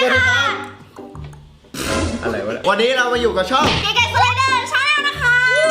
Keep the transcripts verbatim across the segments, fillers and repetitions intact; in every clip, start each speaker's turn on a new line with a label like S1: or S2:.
S1: ค่ะ
S2: อะไรวะวันนี้เรามาอยู่กับช่อง
S1: เก๋ๆสไลเดอร์ชาแนลนะคะ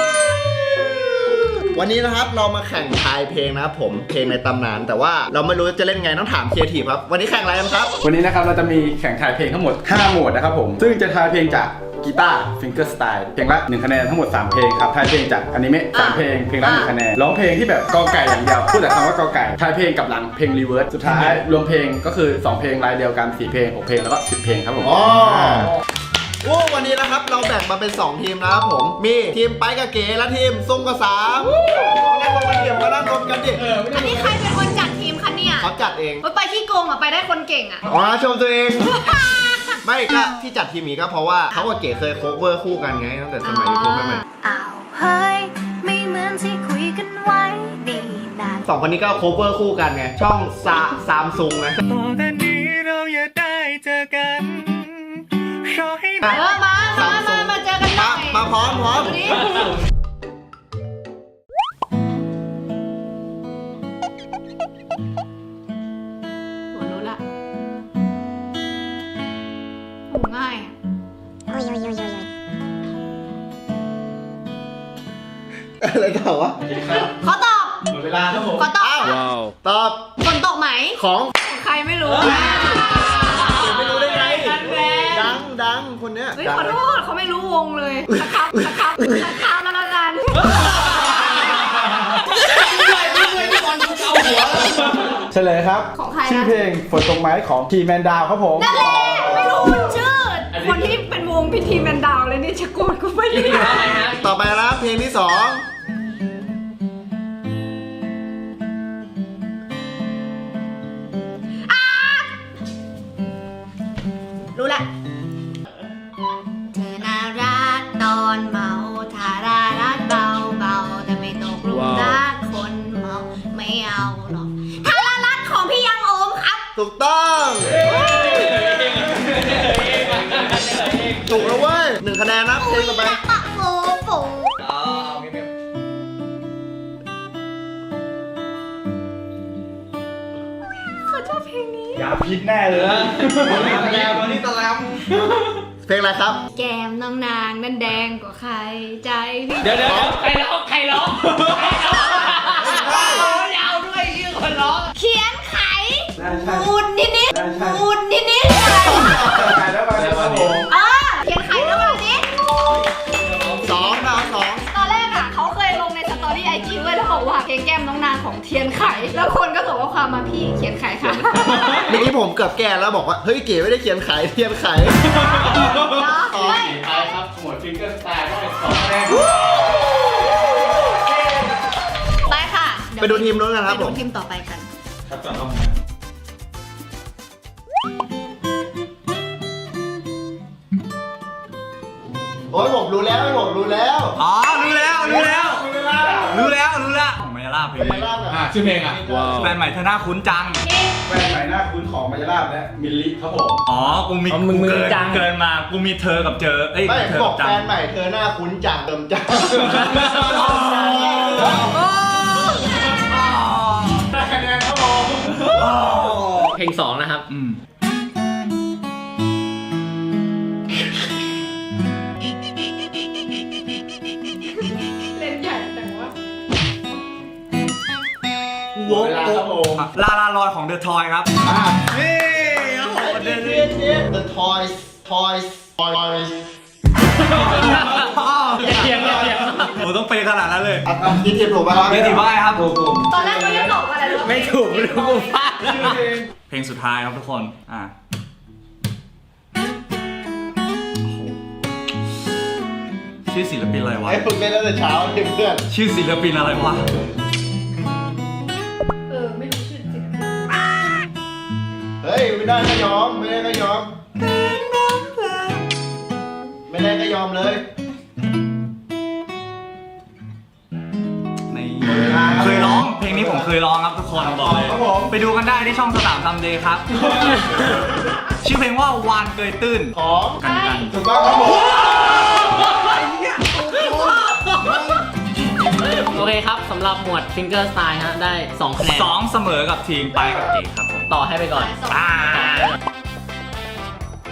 S2: วันนี้นะครับเรามาแข่งทายเพลงนะครับผมเพลงในตำนานแต่ว่าเราไม่รู้จะเล่นไงต้องถามครีเอทีฟครับวันนี้แข่งอะไรกันครับ
S3: วันนี้นะครับเราจะมีแข่งทายเพลงทั้งหมดห้าโหมดนะครับผมซึ่งจะทายเพลงจากกีตาร์ฟิงเกอร์สไตล์เพลงละหนึ่งคะแนนทั้งหมดสามเพลงครับทายเพลงจากอนิเมะสามเพลงเพลงละหนึ่งคะแนนร้องเพลงที่แบบกอไก่อย่างเดียวพูดแต่คำว่ากอไก่ทายเพลงกับหลังเพลงรีเวิร์สสุดท้ายรวมเพลงก็คือสองเพลงรายเดียวกันสี่เพลงหกเพลงแล้วก็สิบเพลงครับผม
S2: อ๋อโอ้วันนี้นะครับเราแบ่งมาเป็นสองทีมนะครับผมมีทีมไปกับเก๋และทีมซุ่มกับสามนั่งลงกันเดี๋ยวมานั่งลงกันดิ
S1: อันนี้ใครเป็นคนจัดทีมคะเนี่ย
S2: เขาจัดเอง
S1: ไปขี้โกงอ่ะไปได้คนเก่งอ่ะ
S2: อ๋อชมตัวเอง ไม่ก็ที่จัดทีมนี้ก็เพราะว่าเขากับเก๋เคยโคเวอร์คู่กันไงตั้งแต่สมัยยูทูบใหม่
S1: อ้าวเฮ้ยไม่เหมือนที่คุยกันไว้ดีนาน
S2: ๆสองคนนี้ก็โคเวอร์คู่กันไงช่องซาซามซุงนะ
S4: ต่อแต่นี้เราอย่าได้เจอกันขอให้
S1: เออมามามามาเจอกันหน่
S2: มา
S1: อย
S2: มาพร้อมพร้อม
S1: ดูดิโหรู้ละโหง่ายอะ
S2: อะไรต่อวะ
S1: ขอตอบ
S3: หมดเวลาครับผม
S1: ขอตอบ
S2: อ้าวตอบ
S1: ฝนตกไหม
S2: ของ
S1: ใครไม่รู้
S2: ไม่รู้ได้ไงดังดังคนเนี้ย
S1: เฮ้ย
S2: ดัง
S1: ขอโทษเขาไม่รู้วงเลยนะครับนะครับนะครับแล้วละกัน
S3: เฉลยครับ
S1: ของใครนะ
S3: ชื่อเพลงฝนตกไหมของทีแมนดาวครับผม
S1: นั่นแหละไม่รู้ชื่อคนที่เป็นวงพิธีแมนดาวเลยนี่ชะโกนกูไม่ได้
S2: ต่อไปนะเพลงที่สอง
S1: รู้ละเธอน่ารักตอนเมาทารารักเบาเบาแต่ไม่ตกหลุมรักคนเมาไม่เอาหรอกทารารักของพี่ยังโอมครับ
S2: ถูกต้องถูกแล้วเว้ยหนึ่งคะแนนนะเพลงต่อไป
S1: ปะโฟโฟเขาชอบเพลงนี้
S3: อย่าพิษแน่เลย
S4: วันนี้ตะแลม
S2: เพลงอะไรครับ
S1: แก้มน้องนางนั่นแดงกว่าใครใจพี่
S4: เดี๋ยวเดี๋ยวใครร้องใครร้องยาวด้วยชื่อคนร้อง
S1: เขียนไขมูนนิดนิดมูนนิดนิดอะไร
S3: ถ่ายแล้วมาแล้วครับผม
S1: เออเขียนไขแล้วแบบนี้
S2: สองดาวสอง
S1: ตอนแรกอ่ะเขาเคยลงในสตอรี่ไอจีไว้แล้วบอกว่าเพลงแก้มน้องนางของเทียนไข แล้วคนก็ส่งข้อความมาพี่เขียนไขค่ะ
S2: เมื่อกี้ผมเกือบแก้แล้วบอกว่าเฮ้ยเก๋ไม่ได้เขียนขายเทียนขาย
S1: ไม่
S3: ทายครับหมวดฟิงเกอร์สไตล์ก็เป็นสองคะแนน
S1: ไปค่ะ
S2: ไปดูทีมนู้นกันครับ
S1: ไป
S2: ผ
S1: ดู
S2: ม
S1: ทีมต่อไปกัน
S3: ครับต่อครับ
S2: โอ้ยผมรู้แล้วผมรู้แล้ว
S4: อ๋อรู้แล้วรู้แล้วรู้แล้วรู้แล้วของมายาลาเพลง
S2: เป็นล่าง
S3: อ่ะ
S2: อ่ะ
S3: ชื่อเพลงอ่ะ
S4: แฟนใหม่เธอหน้าคุ้นจัง
S3: แฟนใหม่หน้าคุ้นของมายาลาบและมิลลิครับผม
S4: อ๋อกูมีกูเกินเกินมากูมีเธอกับเจอเอ้ย
S2: ไม่
S4: เธอ
S2: บอก
S4: กับจั
S2: แฟ
S4: ง
S2: นใหม่เธอหน้าคุ้นจังเติมจัง
S3: คะแนนครับผม
S5: เพลงสองนะครับ
S4: อืม
S1: เล่นใหญ่แต่ว่า
S3: หมดเวลาครับผม
S4: ลาลาลอยของเดอะทอยครับ
S2: อ่ะ
S4: นี่โอ้โหเด
S2: เด็ด
S4: น
S2: เด็ดเด็ด The Toys Toys Toys
S5: อย่าเถียงอย่าเถียง
S4: โอ้ต้องเปย์ขนาดนั้นเลย
S2: อ่ะอ่ะคิดทีมถูกไหมครับ
S4: เมติบ้ายครับ
S3: ถูกถูก
S1: ตอนแรกเขาจะตอบว่าอะไรรู้
S5: ไม่ถูกไม่รู้กูพลาด
S3: ชื่อเพลง
S4: เพลงสุดท้ายครับทุกคน อ่าชื่อศิลปินอะไรวะ
S2: ไอ้ฝึกเล่นตั้งแต่เช้าเลยเพื่อน
S4: ชื่อศิลปินอะไรวะ
S1: เออไม่รู้ชื่อจริง
S2: เฮ้ยไม่ได้ก็ยอมไม่ได้ก็ยอม ไม่ได้ก็ยอมเลย
S4: ในเคยร้องเพลงนี้ผมเคยร้องครับทุกคนบอกเลย
S3: ครับผม
S4: ไปดูกันได้ที่ช่องสตาร์ซัมเดย์ครับ ชื่อเพลงว่าวานเกยตื้น
S2: ของ
S4: กันกัน
S2: ถูกต้องครับผม
S5: โอเคครับสำหรับหมวด Finger Style ฮะได้สองคะแนน
S4: สองเสมอกับทีมไปกับเอกครับผม
S5: ต่อให้ไปก่อน
S1: สอง
S4: อ่า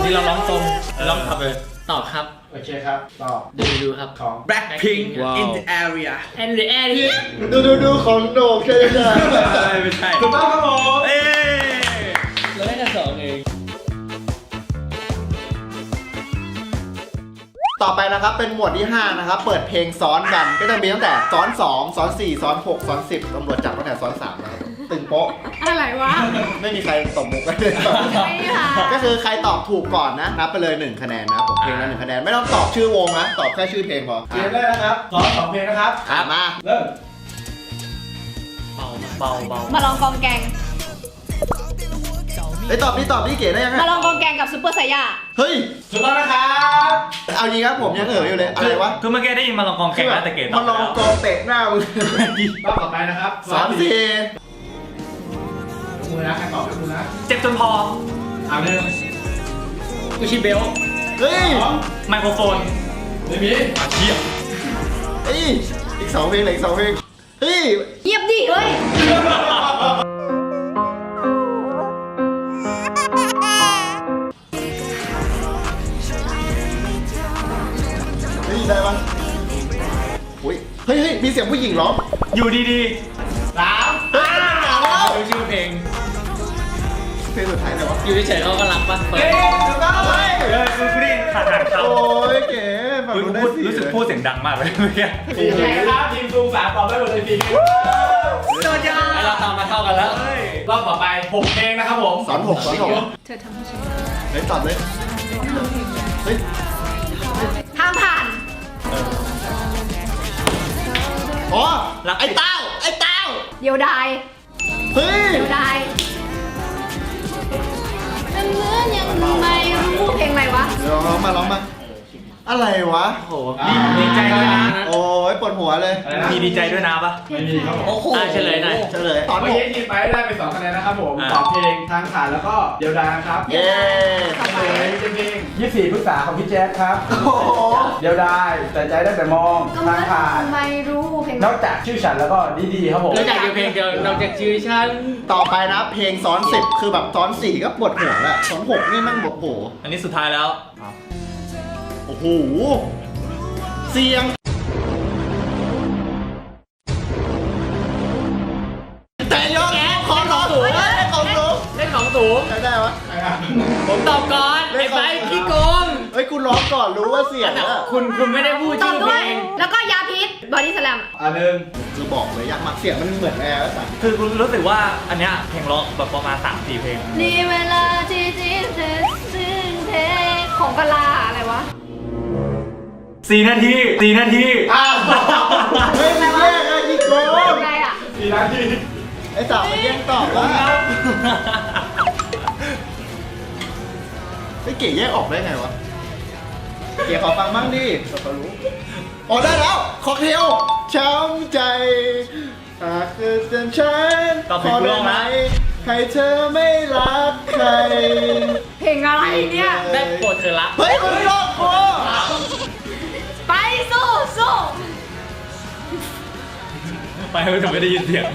S5: อันนี้เราร้องตรงร้องขับเลยตอบครับ
S3: โอเคครับตอบ
S5: ดูดูครับ
S3: ของ
S4: Blackpink
S5: ว้าว
S4: in the area
S5: แอนด์แอนด์
S2: ดูดูดูของโหนกใช่ไหม
S4: ไม่ใช่
S3: ถูกต้องครับผม
S4: เอ้ย
S5: เราได้แค่สองเอง
S2: ต่อไปนะครับเป็นหมวดที่ห้านะครับเปิดเพลงซ้อนกันก็จะมีตั้งแต่ซ้อนสองซ้อนสี่ซ้อนหกซ้อนสิบตำรวจจับตั้งแต่ซ้อนสามนะครับตึงโป๊ะ
S1: อะไรวะ
S2: ไม่มีใครตบมุกกันเลย
S1: ไม่ค่ะ
S2: ก็คือใครตอบถูกก่อนนะนับไปเลยหนึ่งคะแนนนะครับผมเพลงละหนึ่งคะแนนไม่ต้องตอบชื่อวงนะตอบแค่ชื่อเพลงพอ
S3: เกมแรกนะครับสอนสองเพลงนะครับ
S2: อ่ะมา
S3: เริ่ม
S5: เบาเบาเบา
S1: มาลองกองแกง
S2: ไอยตอบนี่ตอบนี่เก๋ได้ยังไง
S1: มาลองกองแกงกับซุปเปอร์ไซย่า
S2: เฮ้ย
S3: ถูกต้องนะครับ
S2: เอาจริงครับผมยังเอ๋ออยู่เลยอะไรวะ
S4: คือเมื่อกี้ได้ยินมาลองกองแข่งแล้วแต่เกตต
S2: มั
S4: อน บ
S2: ลอง
S4: แล้ว
S2: กองเตะหน้ามึง
S3: รอบต่อไปนะครับ
S2: สามสี่
S3: มือนะใครตอบเป็นมือนะ
S4: เจ็บจนพอ
S3: เอาหนึ่ง
S5: กูชิเบล
S2: เฮ้ย
S3: สอง
S4: ไมโครโฟน
S3: ไม่มี
S4: อาเชีย
S2: เฮ้ยอีกสองเพลงเหลืออีกสองเพลงเฮ้ย
S1: เยียบดิเฮ้ย
S2: เฮ้ยได้ปะอุ้ยเฮ้ยเฮ้ยมีเสียงผู้หญิงร้อง
S4: อยู่ดี
S3: สาม
S2: เฮ้ยมันหนาวแล้ว
S5: ดูชื่อเพลง
S2: เพลงสุดท้ายไหนวะ
S5: อยู่เฉยๆเขาก็รักปะเปิด
S3: เฮ้ยถูกต้องเล
S2: เฮ้
S3: ย
S2: ย
S4: ๆเออคือกูได้ยินขาดหางเขา
S2: โอ้ยเก๋ฝั่ง
S4: อุ๊ย
S2: นู้นได้
S4: พูด
S2: สี่
S4: รู้สึกพูดเสียงดังมากเลยเมื่อกี้
S3: สี่เพลงนะครับทีมซูมสามตอบได้หมดเลยสี่เพลง
S4: โดนยา
S5: แล้วเราตามมาเท่ากันแล้ว
S3: รอบต่อไปหกเพลงนะครับผม
S2: สอนหกสอนหก
S1: เธอทำให้ฉัน
S2: เฮ้ยตอบเลยเฮ้ย
S1: ห้ามผ่าน
S2: อ๋อไอ้เต้าไอ้เต้า
S1: เดียวดาย
S2: เฮ้ย
S1: เดียวดายมันเหมือนยังไม่รู้เพลงอะไรวะ
S2: เดี๋ยวร้องมาร้องมาอะไรวะ
S5: โอ้โห
S4: ดีดีใจด้วยนะ
S2: โอ้ยปวดหัวเลย
S4: มีดีใจด้วยนะปะ
S3: ไม่มีครับผม
S5: โอ้โหเฉลยหน่อย
S2: เฉลยตอน
S3: เมื่อ
S2: หก
S3: กี้ทีมไปได้ไปสองคะแนนนะครับผม
S4: อ่า
S3: ตอบเพลงทางผ่านแล้วก็เดียวดายนะครับ
S2: เย้
S3: เฉลยเป็นเพลงยี่สิบสี่พฤษภาของพี่แจ๊คครับ
S2: โอ้โห
S3: เดียวดายแต่ใจได้แต่มอง
S1: ก็เหมื
S3: ทา
S1: อง น
S3: ผ่าน
S1: ไม่รู้เพลง
S3: นอกจากชื่อฉันแล้วก็ดีๆครับผม
S5: นอกจากอยู่เพลงเดียวนอกจากชื่อฉัน
S2: ต่อไปนะเพลงซ้อนสิบคือแบบซ้อนสี่ก็ปวดหัวแหละซ้อนหกนี่แมั่งบอกโอ้โห
S4: อันนี้สุดท้ายแล้ว
S2: โอ้โหเสียงแต่ยกของร้องสูงของสูง
S5: เล่นของสูง
S2: ใครได้วะ
S5: ผมตอบก่อนไอ้ใบขี้โกง
S2: เฮ้ยคุณร้องก่อนรู้ว่าเสียงอะ
S5: คุณคุณไม่ได้พูด
S1: ตอ
S5: ชื่
S1: บ
S5: อ
S1: ด้
S5: เพ
S1: ว
S5: ล
S1: ย
S5: ง
S1: แล้วก็ยาพิษบอดี้สแลม
S3: อันหนึ่ง
S2: คือบอกเลยยากมากเสียงมันเหมือนแอร์สัตว์
S4: คือกูรู้สึกว่าอันเนี้ยเพลงร้องแบบประมาณสามสี่เพลง
S1: นี่เวลาที่จีนเธอซึ่งเพลงของกะลาอะไรวะ
S4: สี่นาทีสี่นาที
S2: อ้าวเฮ้ยมันแย่งอะยิโก
S1: อะไรอ่ะ
S3: สี่นาที
S2: ไอ้สาวมันแย่งตอบว่าไอ้เก๋แยกออกได้ไงวะเก๋ขอฟังบ้างดิเขารู้อ๋อได้แล้วค็อกเทลช้ำใจหากเธอเป็นฉัน
S4: ตอบผิดกูร้องนะ
S2: ให้เธอไม่รักใคร
S1: เพลงอะไรเนี่ย
S5: ได้โปรดเธอละ
S2: เฮ้ยคุณลอกกู
S1: ไปสู้สู้
S4: ไปเพื่อจะไม่ได้ยินเสียง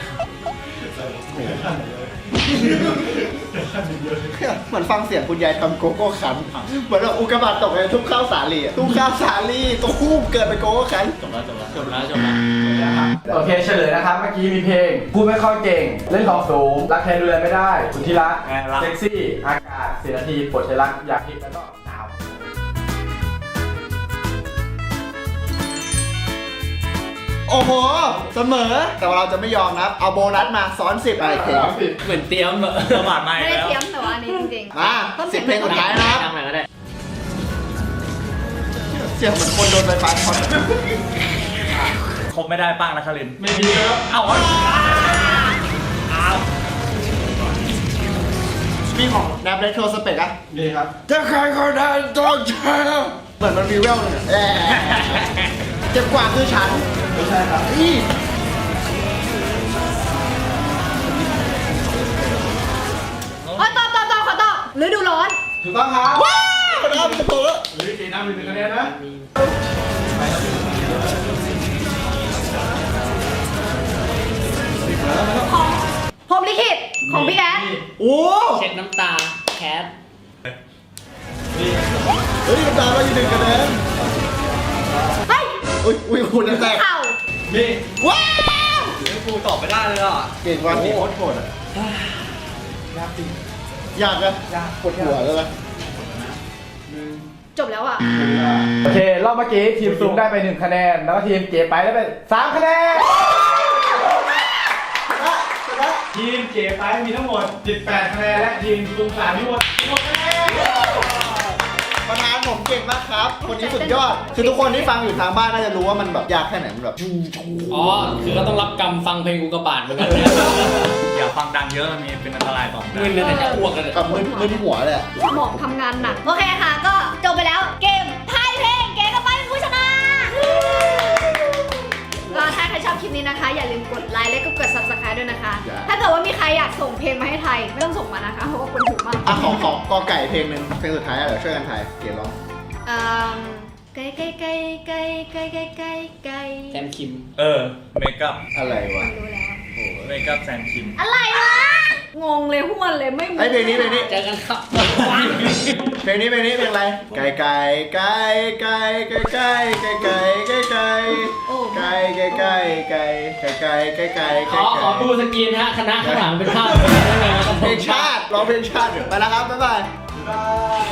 S2: เหมือนฟังเสียงคุณยายทำโกโก้คันเหมือนแบบอุกกาบาตตกในทุ่งข้าวสาลีอะทุ่งข้าวสาลีตัวคู่เกิดเป็นโกโก้คัน
S5: จบแล้วจบแล้วจบแล้วจบแล้ว
S3: โอเคเฉลยนะครับ เมื่อกี้มีเพลงพูดไม่ค่อยเก่ง เล่นของสูง รักแทนดูแลไม่ได้คุณที่รัก
S4: ไงรัก
S3: เซ็กซี่ อากาศสี่นาทีปวดใจรัก อยากพิษแล้วก็หนาว
S2: โอ้โห เสมอ แต่ว่าเราจะไม่ยอมนะครับ เอาโบนัสมาซ้อนสิบอะไรเพลง
S5: เหมือนเตรียมอะ
S4: ประมาทมา
S1: ไม่
S4: อีก
S1: ได้
S4: แล้ว
S1: เตรียมแต่ว่าอันนี้จริงๆ
S2: มา
S1: ต้น
S2: สิ
S1: เสี
S2: บ
S1: ยง
S2: เพลงสุดท้ายนะครับ
S5: ทำอะไรก็ได้
S2: เสียงเหมือนคนโดนไฟฟ้าช็อต
S4: ครบไม่ได้ป้างนะคาริน
S3: ไม่มีครับ
S4: เอ้าเอาเอา
S2: มีของแนบเรโทรสเปกอะ
S3: นี่ครับ
S2: ถ้าใครคนนั้นต้องเจอเหมือนมันมีแววเลยแอะเจ็บกว่าคือฉัน
S3: ไม่ใช่ครับ
S2: อี
S1: อ๋อตอบตอบตอบขอตอบฤดูร้อน
S3: ถูกต้องครับ
S2: ว้าวนะครับจะโตแล้ว
S3: หรือกี่น้ำหนึ่งคะแนนนะ
S1: ของพรหมลิขิตของพี่แอด
S2: โอ้
S5: เช็ดน้ำตาแคท
S2: เฮ้ยตามเราอยู่หนึ่งคะแนน
S1: เฮ้ย
S2: อุ้ยอุ้ยคุณแตก
S1: เข่า
S4: นี่
S2: ว้าว
S4: กูตอบไม่ได้เลยอ่ะ
S2: เก่งว่ะโคตรโหดอ่ะยากอะยากปวดหัวเลยนะ
S1: จบแล้วอ่ะ
S3: โอเครอบเมื่อกี้ทีมซูมได้ไปหนึ่งคะแนน แล้วก็ทีมเก๋ไปได้ไปสามคะแนน ทีมเก๋ไปมีทั้งหมดสิบแปดคะแนนและทีมซูมสามมีทั้งหมดสิบหกคะแนน
S2: ประธานผมเก่งมากครับ คนนี้สุดยอด คือทุกคนที่ฟังอยู่ทางบ้านน่าจะรู้ว่ามันแบบยากแค่ไหนมันแบบ
S5: อ๋อ คือก็ต้องรับกรรมฟังเพลงกูกระบาดเหมือนกัน
S4: อย่าฟังดังเยอะมันมีเป็นอันตรายต่อหู
S5: มึนเลยแต่จะอ้วกกันเลย
S2: กับมือมือที่หัวเลยอะ
S1: สมองทำงานหนัก โอเคค่ะ ก็จบไปแล้วเกมทายเพลงเก๋กับไปเป็นผู้ชนะก็ถ้าใครชอบคลิปนี้นะคะ อย่าลืมกดไลค์และก็กด ซับสไครบ์ ด้วยนะคะ ถ้าเกิดว่ามีใครอยากส่งเพลงมาให้ไทย ไม่ต้องส่งมานะคะ เพราะว่าคนถูกมาก
S2: อ่ะขอขอกอไก่เพลงหนึ่งเพลงสุดท้ายอะเดี๋ยวช่วยกันถ่ายเก๋ร้อง
S1: เอ่อไก่ไก่ไก่ไก่ไก่ไก่ไก่ไก่
S5: แซมคิม
S4: เออเมคอัพ
S2: อะไรวะ
S1: รู้แล้ว
S4: เมคอัพแซนคิม
S1: อะไรวะ งงเลยห้วนเลยไม่รู้
S2: ไอเพลงนี้เพลงนี้
S5: เจอกันครับ
S2: เพลงนี้เพลงนี้เพลงอะไร ไก่ไก่ไก่ไก่ไก่ไก่ไก่ไก่ไก่ไก่
S1: โอ้
S2: ไก่ไก่ไก่ไก่ไก่ไก่ไก่ไก่
S5: ขอขอดูสกรีนฮะ คณะข้างหลังเป็นภาพได้ไง
S2: เพลงชาติร้องเพลงชาติไปแล้วครับบ๊ายบาย
S3: บ๊ายบาย